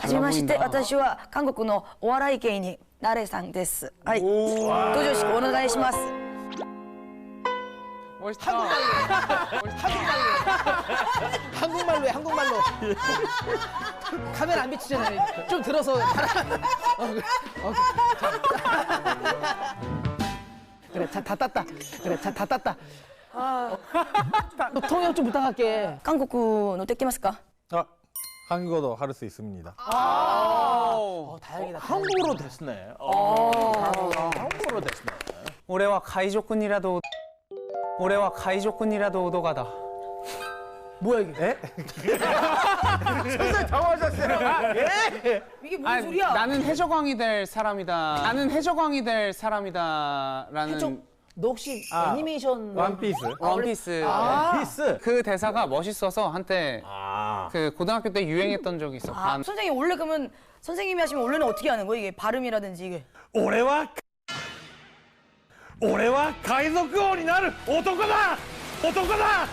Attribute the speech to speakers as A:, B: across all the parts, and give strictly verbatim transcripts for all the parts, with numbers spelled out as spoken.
A: はじめまして私は韓国のお笑い芸人ナレさんです。はい登場式お願いします。
B: 멋있다. 한국말로 해, 한국말로. 카메라 안 비치잖아요. 좀 들어서. 어, 어, 그래, 자, 다 땄다. 그래, 자, 다 땄다. 아, 통역 좀 부탁할게.
A: 韓国のできますか?
C: 아, 한국어도 할 수 있습니다.
B: 아, 어, 다행이다. 한국어로 됐네. 어, 한국어로 됐네.
D: 俺は海賊にらど俺は海賊にらど오도가다.
B: 뭐야 이게? 에? 선생님 당황하셨어요. 예?
A: 이게 무슨
D: 아니,
A: 소리야?
D: 나는 해적왕이 될 사람이다. 나는 해적왕이 될 사람이다라는
B: 해적? 너 혹시 애니메이션
C: 원피스.
D: 원피스.
B: 아,
C: 피스.
D: 그 대사가 멋있어서 한때
C: 아.
D: 그 고등학교 때 유행했던 적이 있어.
A: 아, 선생님 원래 그러면 선생님이 하시면 원래는 어떻게 하는 거예요? 이게 발음이라든지 이게.
C: 俺は俺は海賊王になる男だ男だ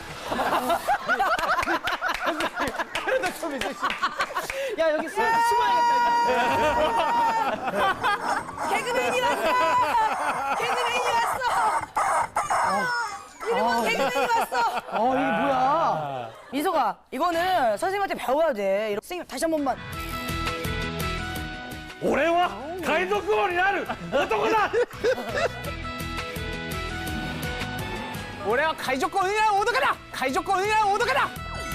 B: 야 여기 숨, 숨어야겠다.
A: 개그맨이 왔어! 개그맨이 왔어! 이름은 개그맨이 왔어!
B: 어 이게 뭐야?
A: 민서가 이거는 선생님한테 배워야 돼. 이런- 선생님 다시 한 번만.
C: 俺は海賊王になる男だ
D: 올해와 가이조건이랑 오도가다! 가이조건이랑 오도가다!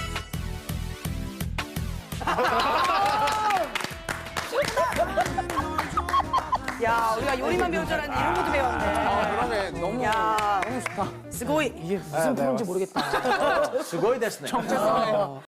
A: 야 우리가 요리만 배울 줄 알았는데 이런 것도 배웠네.
D: 아, 그러게 너무
A: 야
D: 너무 좋다.
A: 스고이.
B: 이게 무슨 프로인지 모르겠다.
C: すごいですね
D: 정체성에